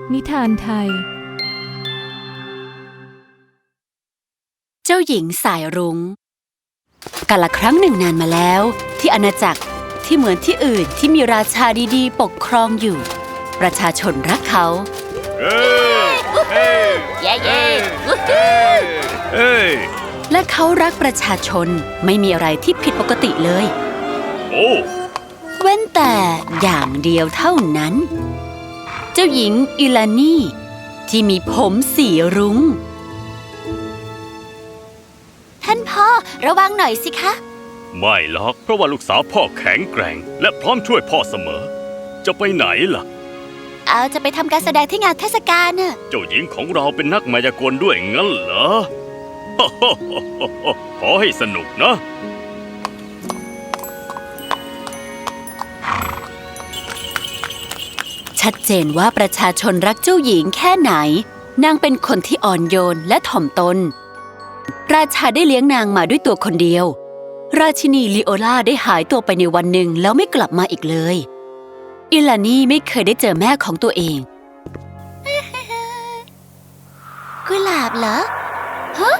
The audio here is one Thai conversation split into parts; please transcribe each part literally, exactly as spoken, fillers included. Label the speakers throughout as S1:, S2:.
S1: นิทานไทย
S2: เจ้าหญิงสายรุ้งกาลครั้งหนึ่งนานมาแล้วที่อาณาจักรที่เหมือนที่อื่นที่มีราชาดีๆปกครองอยู่ประชาชนรักเขาเย้เย้และเขารักประชาชนไม่มีอะไรที่ผิดปกติเลยโอ้เว้นแต่อย่างเดียวเท่านั้นเจ้าหญิงอิลานี่ที่มีผมสีรุ้งท่านพ่อระวังหน่อยสิคะ
S3: ไม่หรอกเพราะว่าลูกสาวพ่อแข็งแกร่งและพร้อมช่วยพ่อเสมอจะไปไหนล่ะ
S2: เอาจะไปทำการแสดงที่งานเทศกาลน่ะ
S3: เจ้าหญิงของเราเป็นนักมายากลด้วยงั้นเหรอ ขอให้สนุกนะ
S2: ชัดเจนว่าประชาชนรักเจ้าหญิงแค่ไหนนางเป็นคนที่อ่อนโยนและถ่อมตนราชาได้เลี้ยงนางมาด้วยตัวคนเดียวราชินีลีโอลาได้หายตัวไปในวันหนึ่งแล้วไม่กลับมาอีกเลยอิลานี่ไม่เคยได้เจอแม่ของตัวเองกุหลาบเหรอฮะ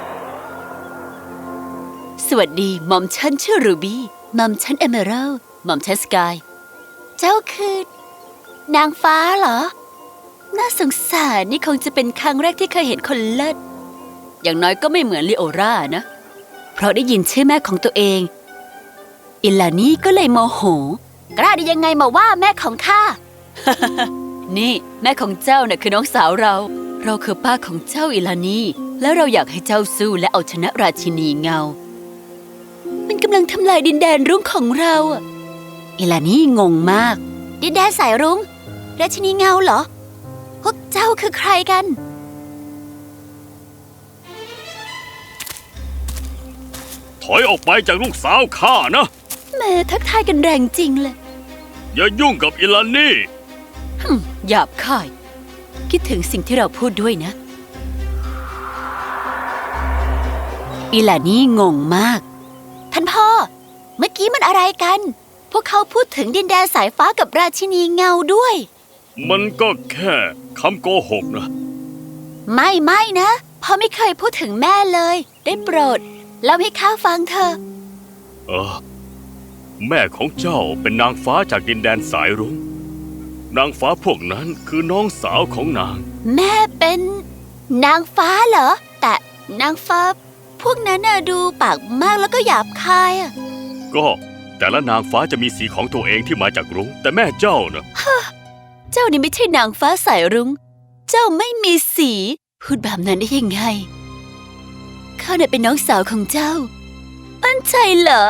S2: สวัสดีหม่อมฉันชื่อรูบี้หม่อมฉันเอเมอรัลด์หม่อมฉันสกายเจ้าคือนางฟ้าเหรอน่าสงสารนี่คงจะเป็นครั้งแรกที่เคยเห็นคนเลิศอย่างน้อยก็ไม่เหมือนลีโอรานะเพราะได้ยินชื่อแม่ของตัวเองอิลานี่ก็เลยโมโหกล้าได้ยังไงมาว่าแม่ของข้า นี่แม่ของเจ้าน่ะคือน้องสาวเราเราคือป้าของเจ้าอิลานี่แล้วเราอยากให้เจ้าสู้และเอาชนะราชินีเงามันกำลังทำลายดินแดนรุ้งของเราอิลานี่งงมากดินแดนสายรุ้งราชินีเงาเหรอพวกเจ้าคือใครกัน
S3: ถอยออกไปจากลูกสาวข้านะ
S2: แม่ทักทายกันแรงจริงเลย
S3: อย่ายุ่งกับอิลานี่
S2: หยาบคายคิดถึงสิ่งที่เราพูดด้วยนะอิลานี่งงมากท่านพ่อเมื่อกี้มันอะไรกันพวกเขาพูดถึงดินแดนสายฟ้ากับราชินีเงาด้วย
S3: มันก็แค่คำโกหกนะ
S2: ไม่ไม่นะพ่อไม่เคยพูดถึงแม่เลยได้โปรดเล่าให้ข้าฟังเถอะ
S3: เออแม่ของเจ้าเป็นนางฟ้าจากดินแดนสายรุ้งนางฟ้าพวกนั้นคือน้องสาวของนาง
S2: แม่เป็นนางฟ้าเหรอแต่นางฟ้าพวกนั้นน่ะดูปากมากแล้วก็หยาบคายอ่ะ
S3: ก็แต่ละนางฟ้าจะมีสีของตัวเองที่มาจากรุ้งแต่แม่เจ้านะ
S2: เจ้านี่ไม่ใช่นางฟ้าสายรุ้งเจ้าไม่มีสีพูดแบบนั้นได้ยังไงข้าเนี่ยเป็นน้องสาวของเจ้ามั่นใจเหรอ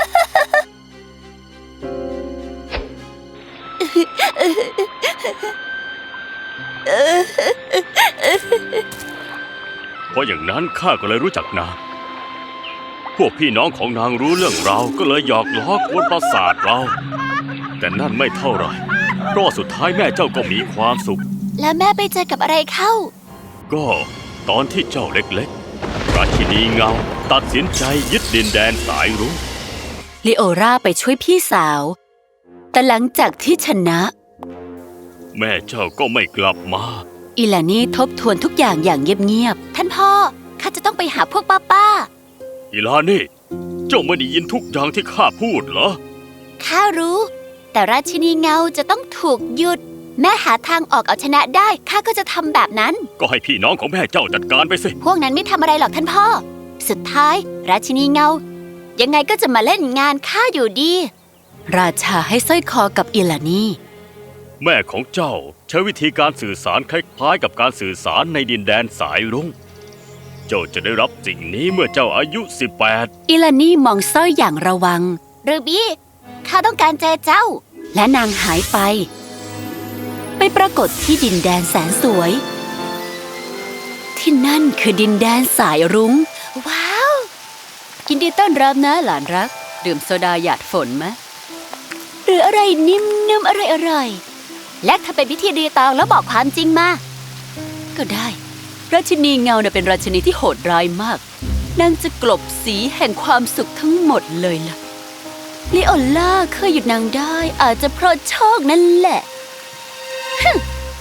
S3: เพราะอย่างนั้นข้าก็เลยรู้จักนางพวกพี่น้องของนางรู้เรื่องเราก็เลยหยอกล้อกวนประสาทเราแต่นั่นไม่เท่าไหร่เพราะสุดท้ายแม่เจ้าก็มีความสุข
S2: แล้วแม่ไปเจอกับอะไรเข้า
S3: ก็ตอนที่เจ้าเล็กๆราชินีเงาตัดสินใจยึดดินแดนสายรุ้ง
S2: ลีโอราไปช่วยพี่สาวแต่หลังจากที่ชนะ
S3: แม่เจ้าก็ไม่กลับมา
S2: อิลานี่ทบทวนทุกอย่างอย่างเงียบๆท่านพ่อข้าจะต้องไปหาพวกป้าป้า
S3: อิลานี่เจ้าไม่ได้ยินทุกอย่างที่ข้าพูดเหรอ
S2: ข้ารู้แต่ราชินีเงาจะต้องถูกหยุดแม่หาทางออกเอาชนะได้ข้าก็จะทำแบบนั้น
S3: ก็ให้พี่น้องของแม่เจ้าจัดการไปสิ
S2: พวกนั้นไม่ทำอะไรหรอกท่านพ่อสุดท้ายราชินีเงายังไงก็จะมาเล่นงานข้าอยู่ดีราชาให้สร้อยคอกับอิลานี่
S3: แม่ของเจ้าใช้วิธีการสื่อสารคล้ายๆกับการสื่อสารในดินแดนสายรุ้งเจ้าจะได้รับสิ่งนี้เมื่อเจ้าอายุสิบแปด
S2: อิลานี่มองสร้อยอย่างระวังรูบี้ข้าต้องการเจอเจ้าและนางหายไปไปปรากฏที่ดินแดนแสนสวยที่นั่นคือดินแดนสายรุ้งว้าวยินดีต้อนรับนะหลานรักดื่มโซดาหยาดฝนไหมหรืออะไรนิ่มๆอร่อยๆและถ้าเป็นพิธีรีตองแล้วบอกความจริงมาก็ได้ราชินีเงาเนี่ยเป็นราชินีที่โหดร้ายมากนางจะกลบสีแห่งความสุขทั้งหมดเลยล่ะลีโอล่าเคยหยุดนางได้อาจจะเพราะโชคนั่นแหละ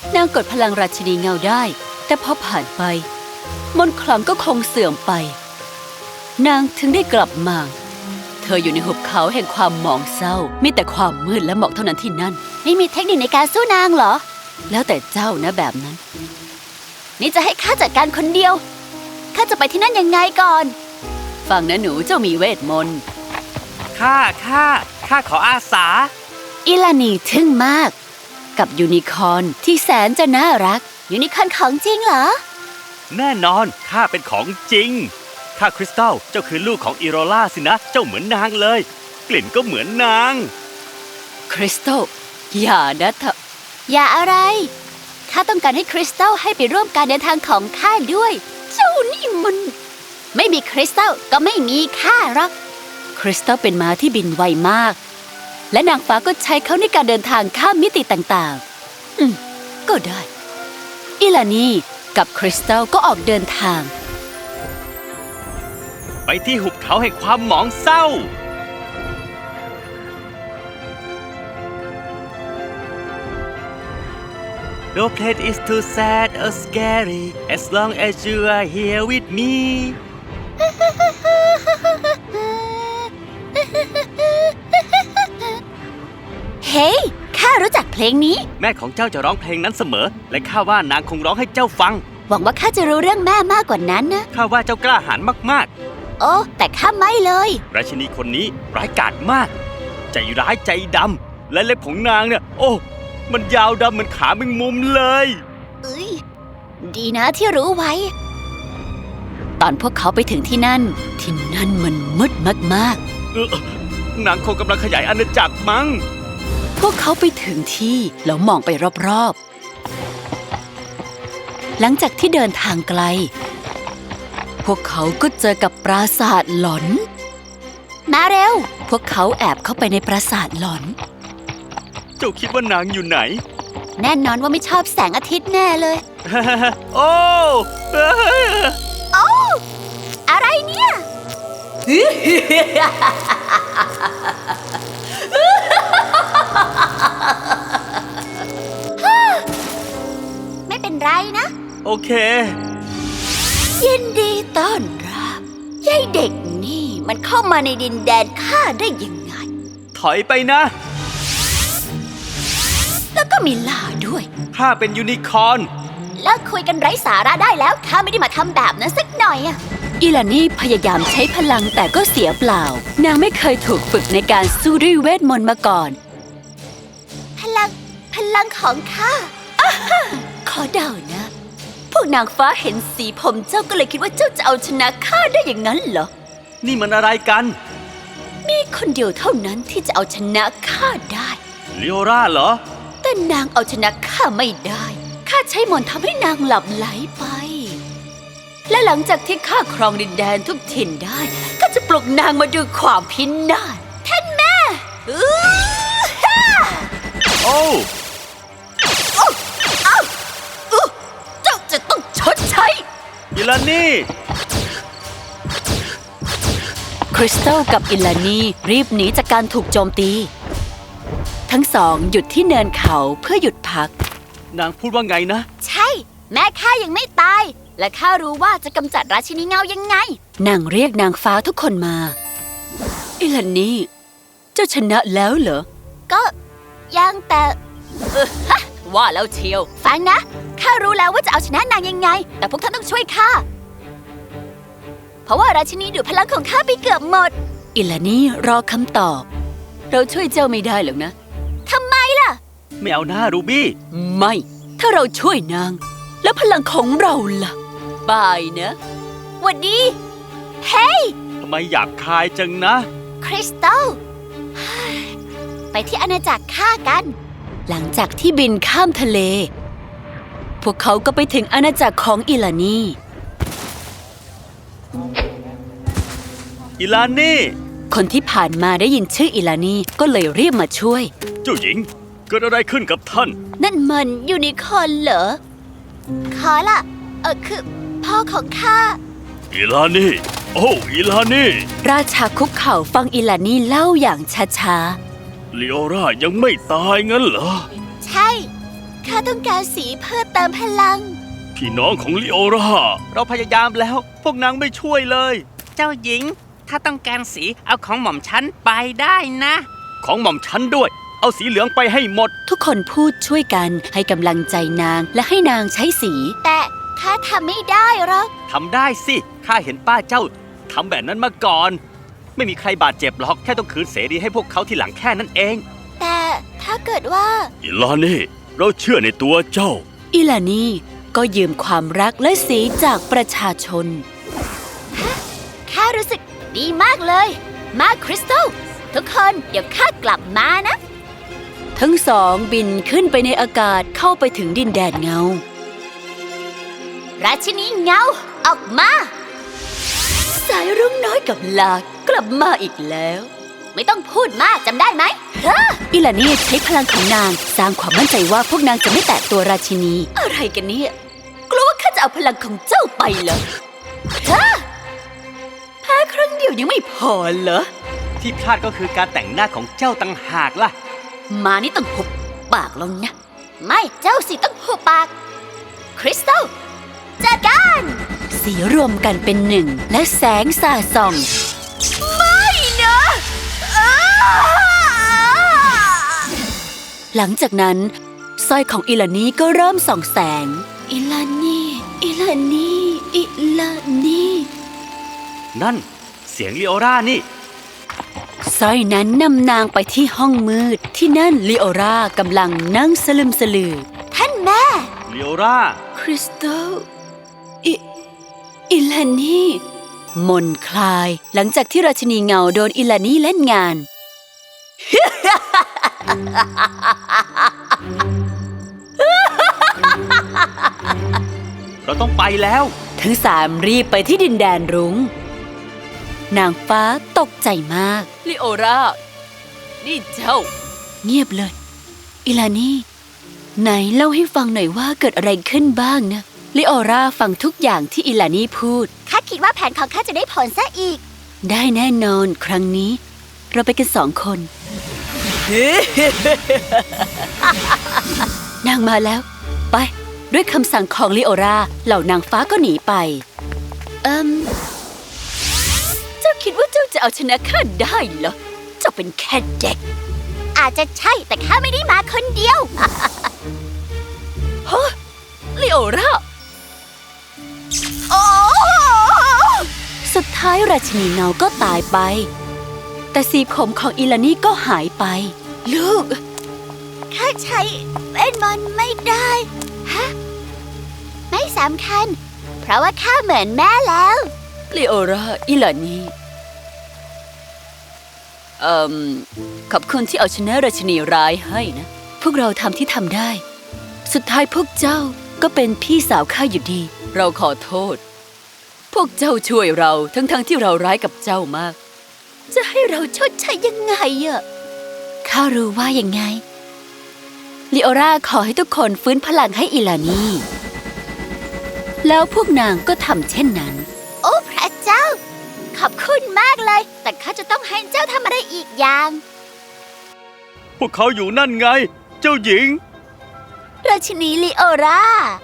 S2: นางกดพลังราชินีเงาได้ แต่พอผ่านไปมนต์ขลังก็คงเสื่อมไป นางถึงได้กลับมา เธออยู่ในหุบเขาแห่งความหมองเศร้ามีแต่ความมืดและหมอกเท่านั้นที่นั่นไม่มีเทคนิคในการสู้นางเหรอ แล้วแต่เจ้านะแบบนั้น นี่จะให้ข้าจัดการคนเดียวข้าจะไปที่นั่นยังไงก่อนฟังนะหนูเจ้ามีเวทมนต์
S1: ข้าข้าข้าขออาสา
S2: อิลานีทึ่งมาก กับยูนิคอร์นที่แสนจะน่ารักยูนิคอร์นของจริงเหรอ
S1: แน่นอนข้าเป็นของจริงข้าคริสตัลเจ้าคือลูกของอีโรล่าสินะเจ้าเหมือนนางเลย กลิ่นก็เหมือนนาง
S2: คริสตัลอย่านะเธออย่าอะไรข้าต้องการให้คริสตัลให้ไปร่วมการเดินทางของข้าด้วย เจ้านี่มันไม่มีคริสตัลก็ไม่มีข้าหรอกคริสตัลเป็นม้าที่บินไวมากและนางฟ้าก็ใช้เขาในการเดินทางข้ามมิติต่างๆอืมก็ได้อิลานีกับคริสตัลก็ออกเดินทาง
S1: ไปที่หุบเขาแห่งความหมองเศร้า No place is too sad or scary as long as you are here with me
S2: เฮ้ยข้ารู้จักเพลงนี้
S1: แม่ของเจ้าจะร้องเพลงนั้นเสมอ และข้าว่านางคงร้องให้เจ้าฟัง
S2: หวังว่าข้าจะรู้เรื่องแม่มากกว่านั้นนะ
S1: ข้าว่าเจ้ากล้าหาญมาก
S2: โอ้แต่ข้าไม่เลย
S1: ๆ ราชินีคนนี้ร้ายกาจมาก ใจร้ายใจดำ และเล็บของนางเนี่ย โอ้ มันยาวดำเหมือนขาแมงมุมเลย
S2: เอ้ยดีนะที่รู้ไว้ ตอนพวกเขาไปถึงที่นั่น ที่นั่นมันมืดมาก
S1: เออนางคงกำลังขยายอาณาจักรมั้ง
S2: ๆ พวกเขาไปถึงที่แล้วมองไปรอบๆ หลังจากที่เดินทางไกล พวกเขาก็เจอกับปราสาทหลอน มาเร็ว พวกเขาแอบเข้าไปในปราสาทหลอน
S1: เจ้าคิดว่านางอยู่ไหน
S2: แน่นอนว่าไม่ชอบแสงอาทิตย์แน่เลย
S1: โอ้
S2: โอ้อะไรเนี่ย ไม่เป็นไรนะ
S1: โอเค
S2: ยินดีต้อนรับยายเด็กนี่มันเข้ามาในดินแดนข้าได้ยังไง
S1: ถอยไปนะ
S2: แล้วก็มีล่าด้วย
S1: ข้าเป็นยูนิคอร์น
S2: เลิกคุยกันไร้สาระได้แล้วข้าไม่ได้มาทำแบบนั้นสักหน่อยอะอิลานี่พยายามใช้พลังแต่ก็เสียเปล่า นางไม่เคยถูกฝึกในการสู้ด้วยเวทมนต์มาก่อน พลัง พลังของข้าอ่าฮะขอเดานะ พวกนางฟ้าเห็นสีผมเจ้าก็เลยคิดว่าเจ้าจะเอาชนะข้าได้อย่างนั้นเหรอ
S1: นี่มันอะไรกัน
S2: มีคนเดียวเท่านั้นที่จะเอาชนะข้าได้
S1: ลิโอราเหรอ
S2: แต่นางเอาชนะข้าไม่ได้ ข้าใช้มนต์ทำให้นางหลับไหลไป และหลังจากที่ข้าครองดินแดนทุกถิ่นได้ก็จะปลุกนางมาดูความพินาศท่านแม่อื้อฮ่า
S1: โอ้
S2: อื้อเจ้าจะต้องชดใช้
S1: อิลานี่
S2: คริสตัลกับอิลานีรีบหนีจากการถูกโจมตี ทั้งสองหยุดที่เนินเขาเพื่อหยุดพัก
S1: นางพูดว่าไงนะ
S2: ใช่ แม่ข้ายังไม่ตาย และข้ารู้ว่าจะกำจัดราชินีเงายังไง นางเรียกนางฟ้าทุกคนมา อิลานีเจ้าชนะแล้วเหรอ ก็ยังแต่เออฮะว่าแล้วเชียว ฟังนะ ข้ารู้แล้วว่าจะเอาชนะนางยังไง แต่พวกท่านต้องช่วยข้า เพราะว่าราชินีดูดพลังของข้าไปเกือบหมด อิลานีรอคำตอบ เราช่วยเจ้าไม่ได้หรอกนะ ทำไมล่ะ
S1: ไม่เอาหน้ารูบี้
S2: ไม่ ถ้าเราช่วยนาง แล้วพลังของเราล่ะ บายนะหวัดดี เฮ้ย
S1: ทำไมหยาบคายจังนะ
S2: คริสตัล ไปที่อาณาจักรข้ากัน หลังจากที่บินข้ามทะเล พวกเขาก็ไปถึงอาณาจักรของอิลานี
S1: อิลานี่
S2: คนที่ผ่านมาได้ยินชื่ออิลานีก็เลยรีบมาช่วย
S1: เจ้าหญิง เกิดอะไรขึ้นกับท่าน
S2: นั่นมันยูนิคอร์นเหรอ ขอละเออคือพ่อของข้า
S3: อิลานี่ โอ้อิลานี่
S2: ราชาคุกเข่าฟังอิลานีเล่าอย่างช้า
S3: ลิโอรายังไม่ตายงั้นเหรอ
S2: ๆ ใช่ข้าต้องการสีเพื่อเติมพลัง
S3: พี่น้องของลีโอรา
S1: เราพยายามแล้ว พวกนางไม่ช่วยเลย
S4: เจ้าหญิง ถ้าต้องการสีเอาของหม่อมฉันไปได้นะ
S1: ของหม่อมฉันด้วย เอาสีเหลืองไปให้หมด
S2: ทุกคนพูดช่วยกันให้กำลังใจนางและให้นางใช้สี แต่ข้าทำไม่ได้หรอก
S1: ทำได้สิ ข้าเห็นป้าเจ้าทำแบบนั้นมาก่อน ไม่มีใครบาดเจ็บหรอก แค่ต้องคืนเสรีให้พวกเขาที่หลังแค่นั้นเอง
S2: แต่ถ้าเกิดว่า
S3: อิลานี่ เราเชื่อในตัวเจ้า
S2: อิลานีก็ยืมความรักและสีจากประชาชนข้ารู้สึกดีมากเลย มาคริสตัลทุกคนเดี๋ยวข้ากลับมานะ ทั้งสองบินขึ้นไปในอากาศเข้าไปถึงดินแดนเงา ราชินีเงาออกมา สายรุ้งน้อยกับลากลับมาอีกแล้ว ไม่ต้องพูดมากจำได้ไหมอิลานีใช้พลังของนางสร้างความมั่นใจว่าพวกนางจะไม่แตะตัวราชินี อะไรกันเนี่ยกลัวว่าข้าจะเอาพลังของเจ้าไปเหรอฮะแพ้ครั้งเดียวยังไม่พอเหรอ
S1: ที่พลาดก็คือการแต่งหน้าของเจ้าต่างหากล่ะ
S2: มานี่ต้องหุบปากแล้วนะ ไม่เจ้าสิต้องหุบปาก คริสตัลจัดการสีรวมกันเป็นหนึ่งและแสงสาดส่อง ไม่นะหลังจากนั้นสร้อยของอิลานีก็เริ่มส่องแสง อิลานีอิลานีอิลานี
S1: นั่น เสียงลีโอรานี่
S2: สร้อยนั้นนำนางไปที่ห้องมืดที่นั่นลีโอรากำลังนั่งสลึมสลือ ท่านแม่
S1: ลีโอรา
S2: คริสตัลอิอิลานีมนคลายหลังจากที่ราชินีเงาโดนอิลานีเล่นงาน
S1: เราต้องไปแล้ว
S2: ทั้งสามรีบไปที่ดินแดนรุง้งนางฟ้าตกใจมากลิโอรานี่เจ้า เงียบเลย อิลานีไหนเล่าให้ฟังหน่อยว่าเกิดอะไรขึ้นบ้างนะลิโอราฟังทุกอย่างที่อิลานีพูดข้าคิดว่าแผนของข้าจะได้ผลซะอีก ได้แน่นอนครั้งนี้เราไปกันสองคน นางมาแล้ว ไปด้วยคำสั่งของลิโอราเหล่านางฟ้าก็หนีไป เอิมเจ้าคิดว่าเจ้าจะเอาชนะข้าได้เหรอ เจ้าเป็นแค่เด็ก อาจจะใช่แต่ข้าไม่ได้มาคนเดียว ฮะลิโอราโอ้สุดท้ายราชินีเงาก็ตายไป แต่สีผมของอิลานีก็หายไป ลูก ข้าใช้เวทมนต์ไม่ได้ ฮะ ไม่สำคัญ เพราะว่าข้าเหมือนแม่แล้วลีโอราอิลานีเอ่มขอบคุณที่เอาชนะราชินีร้ายให้นะ พวกเราทำที่ทำได้ สุดท้ายพวกเจ้าก็เป็นพี่สาวข้าอยู่ดี เราขอโทษ พวกเจ้าช่วยเราทั้งๆทที่เราร้ายกับเจ้ามาก จะให้เราชดใช้ยังไงอะข้ารู้ว่ายังไงลีโอราขอให้ทุกคนฟื้นพลังให้อิลานีแล้วพวกนางก็ทำเช่นนั้น โอ้พระเจ้า ขอบคุณมากเลย แต่ข้าจะต้องให้เจ้าทำอะไรอีกอย่าง
S1: พวกเขาอยู่นั่นไง เจ้าหญิง
S2: ราชินีลีโอรา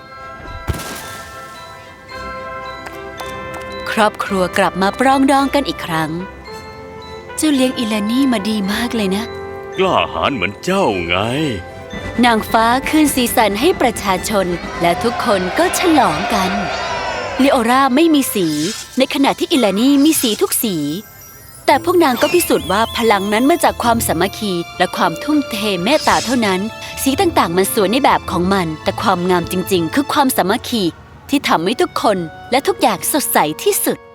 S2: ครอบครัวกลับมาปรองดองกันอีกครั้ง เจ้าเลี้ยงอิลานีมาดีมากเลยนะ
S3: กล้าหาญเหมือนเจ้าไง
S2: นางฟ้าคืนสีสันให้ประชาชนและทุกคนก็ฉลองกันลีโอราไม่มีสีในขณะที่อิลานีมีสีทุกสีแต่พวกนางก็พิสูจน์ว่าพลังนั้นมาจากความสามัคคีและความทุ่มเทเมตตาเท่านั้นสีต่างๆมันสวยในแบบของมันแต่ความงามจริงๆคือความสามัคคีที่ทำให้ทุกคนและทุกอย่างสดใสที่สุด